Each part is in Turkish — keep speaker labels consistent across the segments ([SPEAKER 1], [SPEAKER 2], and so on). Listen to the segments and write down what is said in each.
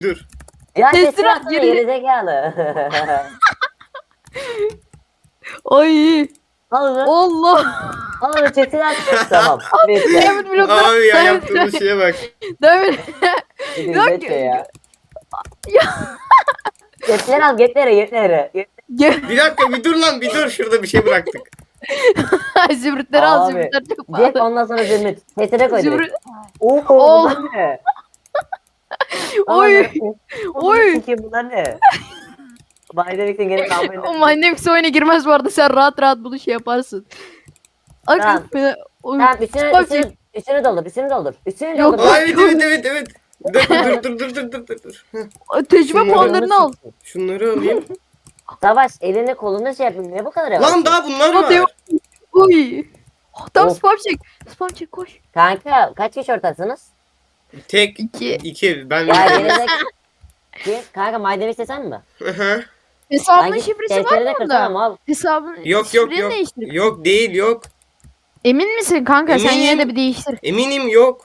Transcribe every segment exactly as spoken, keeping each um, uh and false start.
[SPEAKER 1] Dur.
[SPEAKER 2] Ya
[SPEAKER 3] Teslim
[SPEAKER 2] teslim
[SPEAKER 3] at,
[SPEAKER 2] atsana
[SPEAKER 3] geri-
[SPEAKER 2] gerizekalı.
[SPEAKER 3] Ay.
[SPEAKER 2] Al onu.
[SPEAKER 3] Allah.
[SPEAKER 2] Al onu çetini at. Tamam. Bitti.
[SPEAKER 3] Diamond blokları.
[SPEAKER 1] Abi ya
[SPEAKER 3] Diamond-
[SPEAKER 1] yaptığımız şeye bak.
[SPEAKER 3] Diamond.
[SPEAKER 2] Gidin
[SPEAKER 3] Yok,
[SPEAKER 2] bekle ya.
[SPEAKER 3] Ya.
[SPEAKER 2] Getleri al getleri getleri.
[SPEAKER 3] Gel.
[SPEAKER 1] Bir dakika bir dur lan bir dur. Şurada bir şey bıraktık.
[SPEAKER 3] Zümrütleri al,
[SPEAKER 2] Abi,
[SPEAKER 3] zümrütler çok
[SPEAKER 2] Cep
[SPEAKER 3] pahalı.
[SPEAKER 2] ondan sonra zümrüt. Sesine koy direkt.
[SPEAKER 3] Zümrüt.
[SPEAKER 2] Oo
[SPEAKER 3] Ol-
[SPEAKER 2] bunlar ne?
[SPEAKER 3] Oy.
[SPEAKER 2] Oy.
[SPEAKER 3] Oy.
[SPEAKER 2] Oy. Bunlar ne? Baydelik'in gene kalmayın.
[SPEAKER 3] O Minemax oyuna girmez bu arada, sen rahat rahat bunu şey yaparsın. Ak
[SPEAKER 2] Tamam.
[SPEAKER 3] beni- Oy.
[SPEAKER 2] Tamam üstünü,
[SPEAKER 3] Spam
[SPEAKER 2] üstünü,
[SPEAKER 3] çek.
[SPEAKER 2] üstünü doldur üstünü doldur. Üstünü
[SPEAKER 3] Yok,
[SPEAKER 2] doldur.
[SPEAKER 1] Aa, evet evet evet evet. Dur dur dur dur dur dur dur. dur. Heh,
[SPEAKER 3] Tecrübe
[SPEAKER 1] Şunları
[SPEAKER 3] puanlarını al.
[SPEAKER 1] şunları alayım.
[SPEAKER 2] Savaş elini kolunu şey yapayım. Ne bu kadar yavaş?
[SPEAKER 1] Lan daha bunlar
[SPEAKER 3] Hadi.
[SPEAKER 1] var.
[SPEAKER 3] Oy. Tam
[SPEAKER 2] Of.
[SPEAKER 3] spam çek. Spam çek, koş.
[SPEAKER 2] Kanka kaç kişi ortasınız?
[SPEAKER 1] Tek
[SPEAKER 3] İki.
[SPEAKER 1] iki ben
[SPEAKER 2] Ya
[SPEAKER 1] bir
[SPEAKER 2] gelecek. Ki, kanka maydanoz istesen mi?
[SPEAKER 1] Aha.
[SPEAKER 3] Hesabının
[SPEAKER 2] Ben git
[SPEAKER 3] şifresi var
[SPEAKER 2] testleri de
[SPEAKER 3] mı
[SPEAKER 2] kırsana
[SPEAKER 3] onda?
[SPEAKER 2] mal.
[SPEAKER 3] Hesabın
[SPEAKER 1] Yok yok
[SPEAKER 3] şifreni
[SPEAKER 1] yok.
[SPEAKER 3] değiştir.
[SPEAKER 1] Yok değil yok.
[SPEAKER 3] Emin misin kanka? Sen
[SPEAKER 1] Eminim.
[SPEAKER 3] yine de bir değiştir.
[SPEAKER 1] Eminim yok.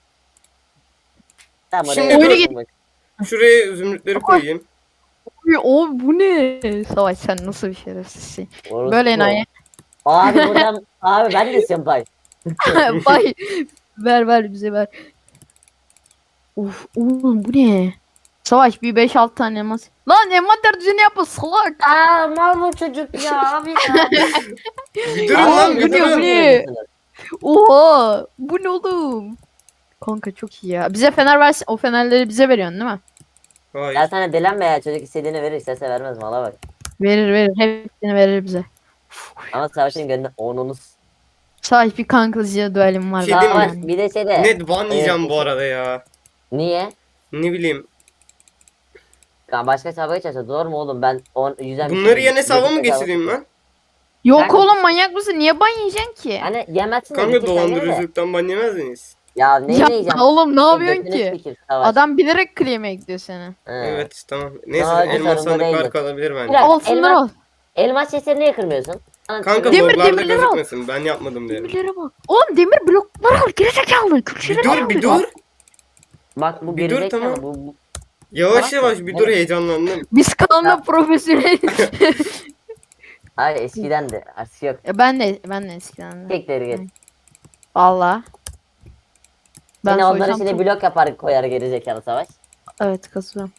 [SPEAKER 2] Tamam
[SPEAKER 1] Şimdi
[SPEAKER 2] oraya
[SPEAKER 1] dur.
[SPEAKER 2] koyayım bak.
[SPEAKER 1] Şuraya zümrütleri koyayım.
[SPEAKER 3] Oy, o bu ne? Savaş, sen nasıl bir şerefsizsin.
[SPEAKER 2] Orası
[SPEAKER 3] Böyle
[SPEAKER 2] bu.
[SPEAKER 3] enayi.
[SPEAKER 2] Abi buradan abi ben de istiyorum pay.
[SPEAKER 3] Bay. Ver ver bize ver. Uf oğlum bu ne? Savaş bir beş altı tane elmas. Lan envanter düzeni yapma salak.
[SPEAKER 2] Aa mal bu çocuk ya abi ya.
[SPEAKER 1] Bir durun
[SPEAKER 3] Aa,
[SPEAKER 1] lan
[SPEAKER 3] bu
[SPEAKER 1] bir
[SPEAKER 3] ne, bu
[SPEAKER 1] durun.
[SPEAKER 3] ne? Oha bu ne oğlum? Kanka çok iyi ya. Bize fener versin. O fenerleri bize veriyorsun değil mi?
[SPEAKER 1] Hayır.
[SPEAKER 2] Ya sana dilenme ya çocuk istediğini verir istese vermez mala bak.
[SPEAKER 3] Verir verir. Hepsini verir bize.
[SPEAKER 2] Ama savaşın gönlünde onunuz.
[SPEAKER 3] Savaş bir kankacıya duelim var.
[SPEAKER 1] Şey
[SPEAKER 3] daha
[SPEAKER 1] değil mi?
[SPEAKER 2] Savaş
[SPEAKER 3] yani.
[SPEAKER 2] bir de şey de.
[SPEAKER 1] Net ban yiyeceğim
[SPEAKER 2] Evet.
[SPEAKER 1] bu arada ya.
[SPEAKER 2] Niye?
[SPEAKER 1] Ne bileyim.
[SPEAKER 2] Ya başka hesaba geçerse zor mu oğlum ben on yüzden.
[SPEAKER 1] Bunları yan hesaba mı geçireyim lan?
[SPEAKER 3] Yok
[SPEAKER 2] Kanka-
[SPEAKER 3] oğlum, manyak mısın? Niye ban yiyeceksin ki?
[SPEAKER 2] Hani yemezsin de
[SPEAKER 1] Kanka
[SPEAKER 2] bitir sen gene de.
[SPEAKER 1] dolandırıcılıktan ban yemez miyiz?
[SPEAKER 2] Ya ne
[SPEAKER 3] Ya
[SPEAKER 2] yiyeceğim?
[SPEAKER 3] oğlum ne yapıyorsun
[SPEAKER 2] Götünü
[SPEAKER 3] ki?
[SPEAKER 2] sikeyim, Savaş.
[SPEAKER 3] Adam bilerek claim'e gidiyor seni.
[SPEAKER 2] He.
[SPEAKER 1] Evet tamam. Neyse
[SPEAKER 2] Daha hiç
[SPEAKER 1] elmas
[SPEAKER 2] sorun da
[SPEAKER 1] sandıklar
[SPEAKER 2] değildi.
[SPEAKER 1] kalabilir
[SPEAKER 2] Bir
[SPEAKER 1] bence.
[SPEAKER 2] dakika,
[SPEAKER 3] Al şunları al.
[SPEAKER 2] elmas, elmas chestleri niye kırmıyorsun? Ana,
[SPEAKER 1] Kanka
[SPEAKER 3] Demir-
[SPEAKER 1] loglarda
[SPEAKER 3] demirleri al.
[SPEAKER 1] gözükmesin. Ben yapmadım derim.
[SPEAKER 3] Demirlere bak. Oğlum demir blokları al. Gerizekalı.
[SPEAKER 1] Bir
[SPEAKER 3] Külçeleri al.
[SPEAKER 1] dur bir dur.
[SPEAKER 2] Bak bu
[SPEAKER 1] Bir dur,
[SPEAKER 2] gerizekalı
[SPEAKER 1] tamam.
[SPEAKER 2] bu, bu.
[SPEAKER 1] Yavaş
[SPEAKER 2] Bak,
[SPEAKER 1] yavaş bir dur
[SPEAKER 2] evet.
[SPEAKER 1] heyecanlandım.
[SPEAKER 3] Biz kanalda profesyonel.
[SPEAKER 2] Hayır eskiden de artık yok.
[SPEAKER 3] Ya ben de ben de eskiden de.
[SPEAKER 2] Tekleri git.
[SPEAKER 3] Valla. Ben
[SPEAKER 2] Yine onların
[SPEAKER 3] soysam
[SPEAKER 2] içine
[SPEAKER 3] çok-
[SPEAKER 2] blok yapar koyar gerizekalı Savaş.
[SPEAKER 3] Evet kasıyorum.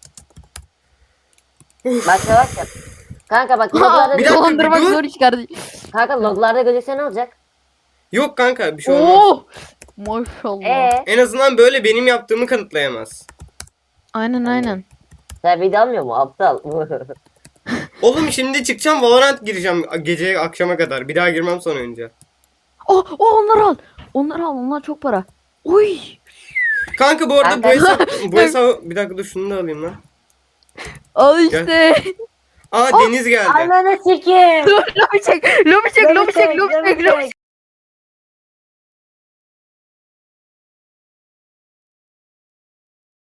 [SPEAKER 2] Bak Savaş yap. Kanka bak loglarda,
[SPEAKER 1] Bir dakika,
[SPEAKER 3] Dolandırmak
[SPEAKER 1] bir dur.
[SPEAKER 3] zor iş kardeşim.
[SPEAKER 2] kanka loglarda gözükse ne olacak?
[SPEAKER 1] Yok kanka bir şey olmaz.
[SPEAKER 3] Oo. Maşallah.
[SPEAKER 2] Eee
[SPEAKER 1] En azından böyle benim yaptığımı kanıtlayamaz.
[SPEAKER 3] Aynen aynen.
[SPEAKER 2] sen video almıyor mu aptal?
[SPEAKER 1] Oğlum şimdi çıkacağım Valorant gireceğim gece akşama kadar. Bir daha girmem son önce.
[SPEAKER 3] Oh, oh onları al. Onları al. Onlar çok para. Oy.
[SPEAKER 1] Kanka bu arada bu
[SPEAKER 2] Kanka.
[SPEAKER 1] hesap, bu hesap bir dakika dur şunu da alayım lan.
[SPEAKER 3] Al işte.
[SPEAKER 1] Aa Deniz geldi.
[SPEAKER 2] Ananı sikeyim.
[SPEAKER 3] Dur lobi çek. Lobi çek. Lobi çek. Lobi çek. Lobi çek.